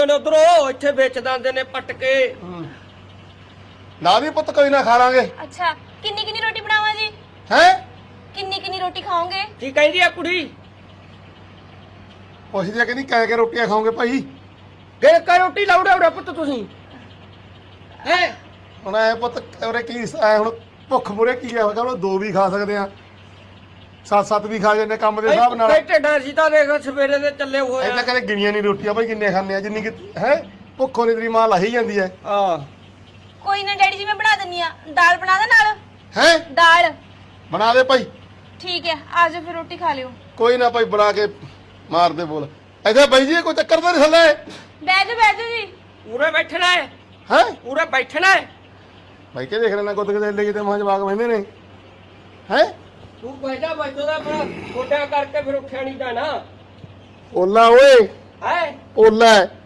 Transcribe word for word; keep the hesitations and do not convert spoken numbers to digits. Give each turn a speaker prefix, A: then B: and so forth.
A: ਉਧਰੋਂ ਇੱਥੇ ਵੇਚ ਦਿੰਦੇ ਨੇ ਪੱਟ ਕੇ।
B: ਨਾ ਵੀ ਪੁੱਤ ਕੋਈ ਨਾ ਖਾ ਲਾਂਗੇ।
C: ਅੱਛਾ ਕਿੰਨੀ ਕਿੰਨੀ ਰੋਟੀ ਬਣਾਵਾਂ ਜੀ?
B: ਹੈ
C: ਕਿੰਨੀ ਕਿੰਨੀ ਰੋਟੀ ਖਾਓਗੇ?
A: ਕੀ ਕਹਿੰਦੀ ਆ ਕੁੜੀ?
B: ਪੁੱਛਦੀ ਆ ਕਹਿੰਦੀ ਕਹਿ ਕੇ ਰੋਟੀਆਂ ਖਾਓਗੇ ਭਾਈ?
A: ਗੇ ਕਾ ਰੋਟੀ ਲਾਉੜਾ ਉੜਾ ਪੁੱਤ ਤੁਸੀਂ ਹੈ
B: ਹੁਣ ਐ ਪੁੱਤ ਉਰੇ ਕੀ ਐ ਹੁਣ ਭੁੱਖ ਮੁਰੇ ਕੀ ਆ ਹੋਗਾ? ਦੋ ਵੀ ਖਾ ਸਕਦੇ ਆ, ਸੱਤ ਸੱਤ ਵੀ ਖਾ ਜਾਂਦੇ ਕੰਮ ਦੇ ਹਿਸਾਬ ਨਾਲ।
A: ਢਿੱਡਾਂ ਸੀ ਤਾਂ ਦੇਖ ਸਵੇਰੇ ਦੇ ਚੱਲੇ ਹੋਏ
B: ਐਦਾਂ ਕਦੇ ਗਿਣੀਆਂ ਨਹੀਂ ਰੋਟੀਆਂ ਭਾਈ ਕਿੰਨੇ ਖਾਂਦੇ ਆ ਜਿੰਨੀ ਕਿ ਹੈ ਭੁੱਖੋਂ ਨਹੀਂ ਤੇਰੀ ਮਾਂ ਲਾਹੀ ਜਾਂਦੀ ਐ।
A: ਆ
C: ਕੋਈ ਨਾ ਡੈਡੀ ਜੀ ਮੈਂ ਬਣਾ ਦਿੰਨੀ ਆ। ਦਾਲ ਬਣਾ ਦੇ ਨਾਲ।
B: ਹੈ
C: ਦਾਲ
B: ਬਣਾ ਦੇ ਭਾਈ।
C: ਠੀਕ ਹੈ ਆ ਜਾਓ ਫਿਰ ਰੋਟੀ ਖਾ ਲਿਓ।
B: ਕੋਈ ਨਾ ਭਾਈ ਬਣਾ ਕੇ ਮਾਰ ਦੇ ਬੋਲ। ਇੱਥੇ ਬਾਈ ਜੀ ਕੋਈ ਚੱਕਰ ਤਾਂ ਨਹੀਂ ਥੱਲੇ?
C: ਬਹਿ ਜਾਓ ਬਹਿ ਜਾਓ ਜੀ।
A: ਉਰੇ ਬੈਠਣਾ ਹੈ?
B: ਹੈ
A: ਉਰੇ ਬੈਠਣਾ ਹੈ?
B: ਭਾਈ ਕੇ ਦੇਖ ਲੈਣਾ ਗੁੱਦ ਕਿਤੇ ਲੈ ਕਿਤੇ ਮਾਂ ਜਵਾਕ ਬਹਿੰਦੇ ਨੇ। ਹੈ
A: ਤੂੰ ਬੈਠਾ ਬੈਠੋ ਦਾ ਆਪਣਾ ਗੋਡਿਆਂ ਕਰਕੇ ਫਿਰ ਉੱਠਿਆ ਨਹੀਂ ਜਾਣਾ।
B: ਓਲਾ ਓਏ
A: ਹੈ
B: ਓਲਾ